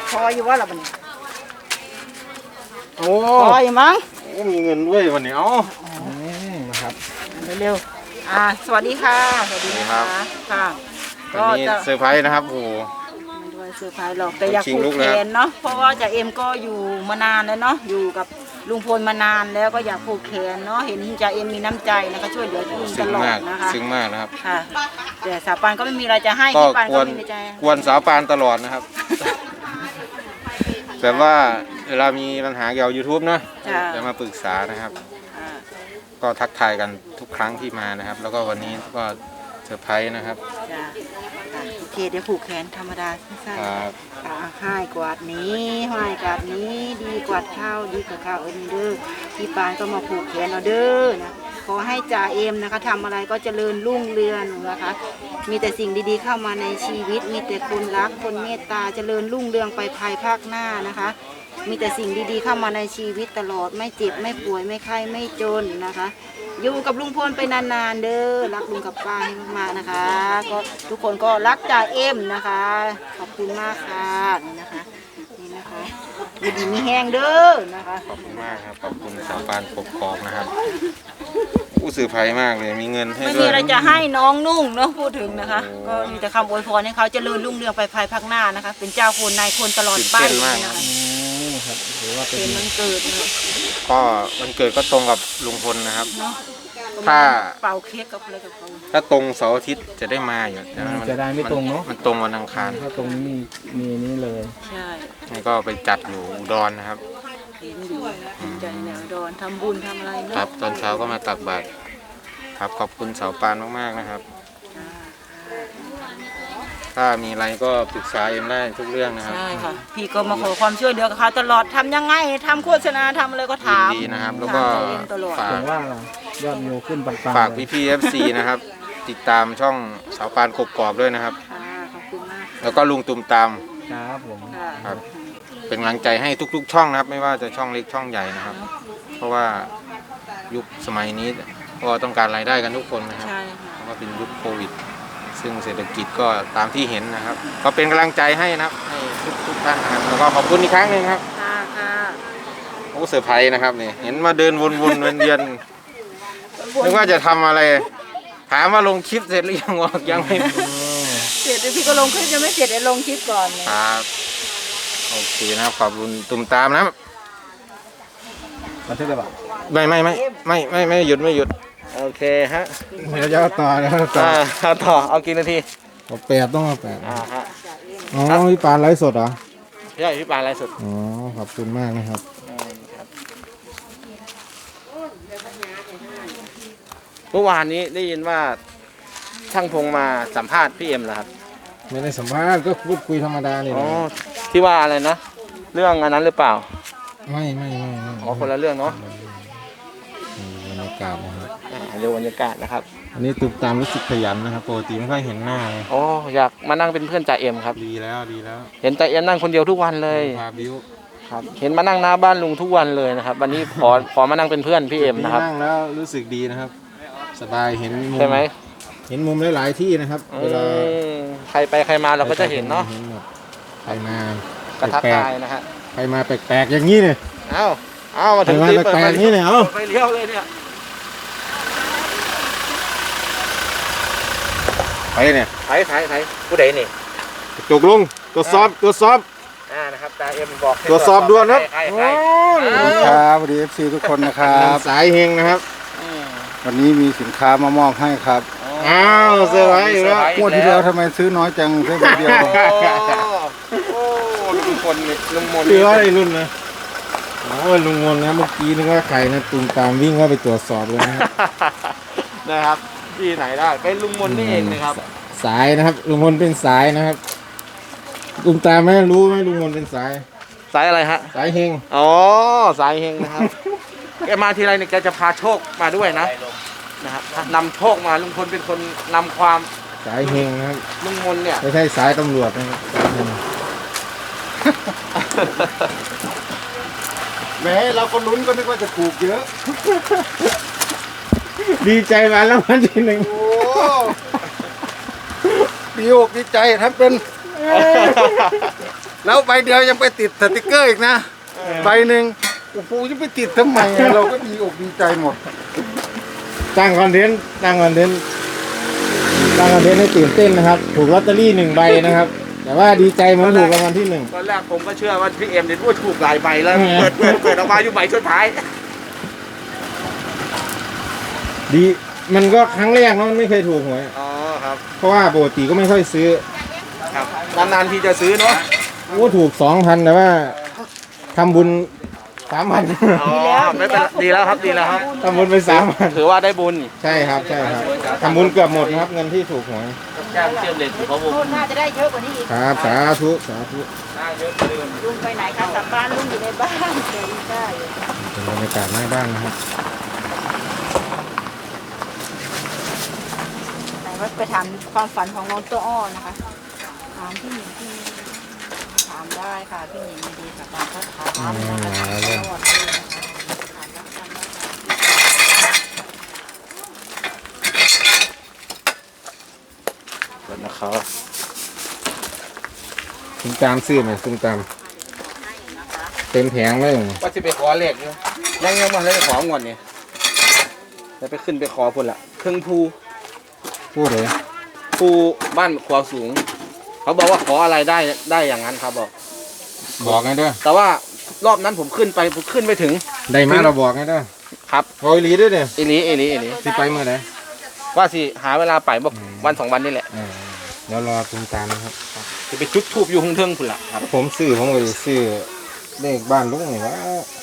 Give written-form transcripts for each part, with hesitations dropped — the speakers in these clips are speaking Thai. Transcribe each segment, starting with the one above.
พออยู่ว่าล่ะบัดนี้โอ้พออยู่มั้งมีเงินด้วยวันนี้เอ้านะครับเร็วๆสวัสดีค่ะสวัสดีค่ะค่ะก็จะเซอร์ไพรส์นะครับโอ้ไม่ด้วยเซอร์ไพรส์หรอกแต่อยากผูกแขนเนาะเพราะว่าจ่าเอ็มก็อยู่มานานแล้วเนาะอยู่กับลุงพลมานานแล้วก็อยากผูกแขนเนาะเห็นจ่าเอ็มมีน้ำใจนะคะช่วยเหลือลุงตลอดนะคะซึ้งมากนะครับค่ะแต่สาวปานก็ไม่มีอะไรจะให้พี่ปานก็มีในใจกวนสาวปานตลอดนะครับแบบว่าเวลามีปัญหาเกี่ยวกับ YouTube เนาะจะมาปรึกษานะครับก็ทักทายกันทุกครั้งที่มานะครับแล้วก็วันนี้ก็เซอร์ไพรส์นะครับโอเคเดี๋ยวผูกแขนธรรมดาสั้นๆให้กวาดนี้ให้กวาดนี้ดีกว่าข้าวดีกว่าข้าวเด้อพี่ปานก็มาผูกแขนเอาเด้อนะขอให้จ่าเอ็มนะคะทำอะไรก็เจริญรุ่งเรืองนะคะมีแต่สิ่งดีๆเข้ามาในชีวิตมีแต่คนรักคนเมตตาเจริญรุ่งเรืองไปภายภาคหน้านะคะมีแต่สิ่งดีๆเข้ามาในชีวิตตลอดไม่เจ็บไม่ป่วยไม่ไข้ไม่จนนะคะอยู่กับลุงพลไปนานๆเด้อรักลุงกับป้าให้มากๆนะคะก็ทุกคนก็รักจ่าเอ็มนะคะขอบคุณมากค่ะนี่นะคะดีมีแห้งเด้อนะคะขอบคุณมากครับขอบคุณสาวปานปกครองนะครับผู้สื่อภัยมากเลยมีเงินให้ด้วยไม่มีอะไรจะให้น้องนุ่งเนาะพูดถึงนะคะก็มีแต่คำอวยพรให้เขาเจริญรุ่งเรืองไปภายภาคหน้านะคะเป็นเจ้าคนนายคนตลอดไปนะคะหรือว่าเป็นวันเกิดนะก็วันเกิดก็ตรงกับลุงพลนะครับถ้าเป่าเค้กกับอะไรกับเขาถ้าตรงเสาร์อาทิตย์จะได้มาอยู่จะได้ไม่ตรงเนาะมันตรงวันอังคารถ้าตรงนี้มีนี่เลยใช่นี่ก็ไปจัดอยู่อุดรนะครับเห็นอยู่ใจแนวอุดรทำบุญทำอะไรครับตอนเช้าก็มาตักบาตรครับขอบคุณสาวปานมากๆนะครับถ้ามีอะไรก็ปรึกษาเอ็มได้ทุกเรื่องนะครับใช่ค่ะพี่ก็มาขอความช่วยเหลือกับเขาตลอดทำยังไงทำโฆษณาทำอะไรก็ถามดีนะครับแล้วก็ฝากว่ายอดวิวขึ้นปังๆฝากพี่ๆ FC นะครับติดตามช่องสาวปานกบกอบด้วยนะครับขอบคุณมากแล้วก็ลุงตุ่มตามครับผมครับเป็นกำลังใจให้ทุกๆช่องนะครับไม่ว่าจะช่องเล็กช่องใหญ่นะครับเพราะว่ายุคสมัยนี้ก็ต้องการรายได้กันทุกคนนะครับเพราะว่าเป็นยุคโควิดซึ่งเศรษฐกิจก็ตามที่เห็นนะครับก็เป็นกำลังใจให้นะครับให้ทุกท่านนะครับแล้วก็ขอบคุณอีกครั้งหนึ่งครับโอ้เซอร์ไพรส์นะครับนี่เห็นมาเดินวนๆเวียนๆนึกว่าจะทำอะไรถามว่าลงคลิปเสร็จหรือยังวะยังไม่เสร็จพี่ก็ลงคลิปยังไม่เสร็จเดี๋ยวลงคลิปก่อนครับโอเคนะครับขอบคุณตุ่มตามนะบันทึกได้ปะไม่หยุดโอเคฮะเดี๋ยวจะต่อนะต่อเอากี่นาที 8ต้อง8 ฮะอ๋อพี่ปานไลฟ์สดเหรอใช่พี่ปานไลฟ์สดอ๋อขอบคุณมากนะครับเมื่อวานนี้ได้ยินว่าช่างพงมาสัมภาษณ์พี่เอ็มเหรอครับไม่ได้สัมภาษณ์ก็พูดคุยธรรมดาเลยอ๋อที่ว่าอะไรนะเรื่องอันนั้นหรือเปล่าไม่อ๋อคนละเรื่องเนาะบรรยากาศนะครับดูบรรยากาศนะครับอันนี้ตุ่มตามรู้สึกขยันนะครับปกติไม่ค่อยเห็นหน้าเลยอ๋ออยากมานั่งเป็นเพื่อนจ่าเอ็มครับดีแล้วเห็นจ่าเอ็มนั่งคนเดียวทุกวันเลยครับเห็นมานั่งหน้าบ้านลุงทุกวันเลยนะครับวันนี้ขอมานั่งเป็นเพื่อนพี่เอ็มนะครับนั่งแล้วรู้สึกดีนะครับสบายเห็นมุมใช่ไหมเห็นมุมหลายๆที่นะครับเวลาใครไปใครมาเราก็จะเห็นเนาะใครมากระทักทายนะฮะใครมาแปลกๆอย่างนี้เนี่ยเอามาถึงที่แปลกๆนี่เนี่ยไปเลี้ยวเลยเนี่ยไปเนี่ยไถผู้ใดนี่จกลงตรวจสอบนะครับจ่าเอ็มบอกตรวจสอบด่วนครับครับสวัสดี FC ทุกคนนะครับสายเฮงนะครับวันนี้มีสินค้ามามอบให้ครับอ้าวเซอร์ไพรส์อยู่แล้วงวดที่แล้วทำไมซื้อน้อยจังซื้อใบเดียวโอ้ลุงมนซื้ออะไรรุ่นนะโอ้ลุงมนนะเมื่อกี้นึกว่าใครนะตุ่มตามวิ่งเข้าไปตรวจสอบเลยนะครับที่ไหนได้เป็นลุงมนนี่เองนะครับสายนะครับลุงมนเป็นสายนะครับตุ่มตามไม่รู้ไหมลุงมนเป็นสายอะไรฮะสายเฮงอ๋อสายเฮงนะครับแกมาทีไรเนี่ยแกจะพาโชคมาด้วยนะครับนำโชคมาลุงพลเป็นคนนำความสายเฮงนะครับลุงมนเนี่ยไม่ใช่สายตำรวจนะครับแม้เราก็ลุ้นก็นึกว่าจะถูกเยอะดีใจมาแล้ววันที่1 โอ้ดีอกดีใจทำเป็นแล้วใบเดียวยังไปติดสติกเกอร์อีกนะใบหนึ่งโอ้โหจะไปติดทำไมอะเราก็ดีอกดีใจหมดตั้งคอนเทนต์ให้ตื่นเต้นนะครับ ถูกลอตเตอรี่1 ใบนะครับ แต่ว่าดีใจเหมือนถูกรางวัลที่ 1 ตอนแรกผมก็เชื่อว่าพี่เอ็มเนี่ยพูดถูกหลายใบแล้วเปิดออกมาอยู่ใบสุดท้ายดีมันก็ครั้งแรกเนาะมันไม่เคยถูกหวยอ๋อครับเพราะว่าปกติก็ไม่ค่อยซื้อครับนานๆทีจะซื้อเนาะโอ้ถูก 2,000แต่ว่าทำบุญ 3,000 อ๋อไม่เป็นดีแล้วครับดีแล้วครับทำบุญไป3,000 ถือว่าได้บุญใช่ครับทำบุญเกือบหมดนะครับเงินที่ถูกหวยจ้างเชื่อมเลนเพราะผมรุ่นน่าจะได้เยอะกว่านี้อีกครับสาธุจ้างเยอะเลยลุงไปไหนคะกลับบ้านลุงอยู่ในบ้านเดี๋ยวได้เป็นบรรยากาศหน้าบ้านนะครับไหนว่าไปถามความฝันของน้องตัวอ้อนะคะถามพี่หญิงถามได้ค่ะพี่หญิงดีค่ะตามเขาถามนะคะสวัสดีนะคะถามรับฟังได้ค่ะนะครับตุ้มตามซื้อไหมตุ้มตามเต็มแผงเลยว่าจะไปขอเลขอยู่ยังมาเลยไปของอนนี่จะไปขึ้นไปขอพุ่นละเครื่องภูพูดเลยภูบ้านขวาสูง เขาบอกว่าขออะไรได้อย่างนั้นครับบอกบอกไงเด้อแต่ว่ารอบนั้นผมขึ้นไปถึงได้มาเราบอกไงเด้อครับโอยลีด้วยเนี่ยเอลีสิไปเมื่อไหร่ว่าสิหาเวลาไปบอกวัน2 วันนี่แหละเดี๋ยวรอตุ้มตามนะครับจะไปจุดทูบอยู่ข้างเทิงพุ่นละครับผมก็จะซื้อเลขบ้านลุงนี่ว่า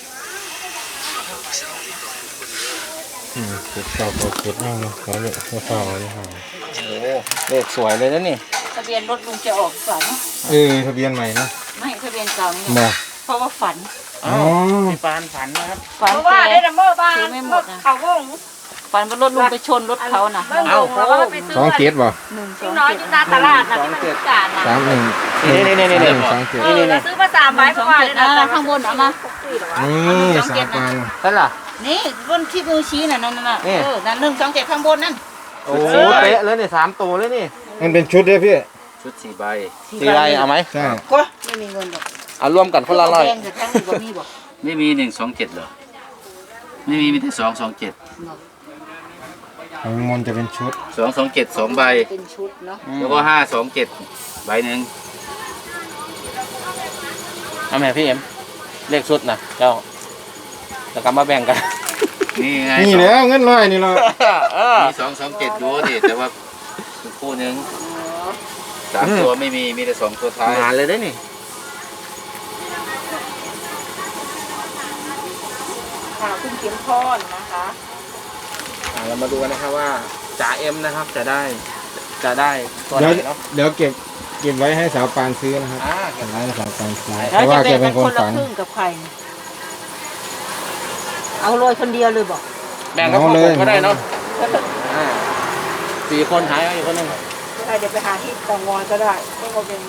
เก็บเก่าเก็บนั่งเลยเขาเลยเขาเก่าเลยค่ะโอ้เลขสวยเลยนะนี่ทะเบียนรถลุงจะออกฝันทะเบียนใหม่นะไม่ทะเบียนเก่านี่มาเพราะว่าฝันอ้าวพี่ปานฝันนะครับฝันเพราะว่าได้ดัมเบอร์บ้านซื้อไม่หมดนะเขาวงฝันว่ารถลุงไปชนรถเขาน่ะเบิ้งลงแล้วก็ไปซื้อ 27บ่หนึ่งสลูอก งน้อยอเจ็ยู่ดหน้าตลาดนะที่มันพิการนะ 31 นี่ 31 เออเราซื้อมา3 ใบเพราะว่าได้ข้างบนเอามา 27นี่3 ปันนั่นล่ะนี่รุ่นที่มือชี้น่ะนั่นน่ะนี่นั่น127ข้างบนนั่นโอ้เป๊ะเลยนี่3 ตัวเลยนี่มันเป็นชุดเด้อพี่ชุด4 ใบ4 ใบเอาไหมใช่ก็ไม่มีเงินหรอกเอารวมกันคนละร้อยแพงแต่แพงกว่ามีบอกไม่มี127เหรอ ไม่มีแต่227 ของมนต์จะเป็นชุด 227 2 ใบเป็นชุดเนาะแล้วก็527 ใบหนึ่งเอาแม่พี่เอ็มเลขชุดนะเจ้าแล้วก็มาแบ่งกันนี่ไงนี่แหล้วเงินร้อยนี่เรามี227ดูดิแต่ว่าคู่หนึ่ง3 ตัวไม่มี มีแต่2 ตัวท้ายงานเลยได้นี่ค่ะคุณเข็มพรนะคะเรามาดูกันนะครับว่าจ่าเอ็มนะครับจะได้ตัวไหเดี๋ยวนเนาะเดี๋ยวเก็บไว้ให้สาวปานซื้อนะครับเก็บไว้ให้สาวปานซื้อแล้วเพราะว่าจะแกแบ่งเป็กัน นคน นละคฝันครึ่งกับใครเนี่ยเอาโรยคนเดียวเลยบอกแบ่งกับพ่อผมก็ได้เนาะ4 คนหายไปอีกคนหนึงได้เดี๋ยวไปหาที่เตางอยก็ได้ไม่ว่าเป็น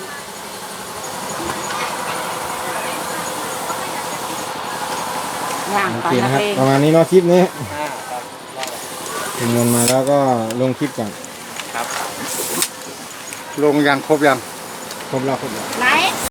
ย่างโอไปเคนันะกครับเลงประมาณนี้เนาะคลิปนี้ครับถึงเงินมาแล้วก็ลงคลิปก่อนลงยังครบยังครบแล้วไหน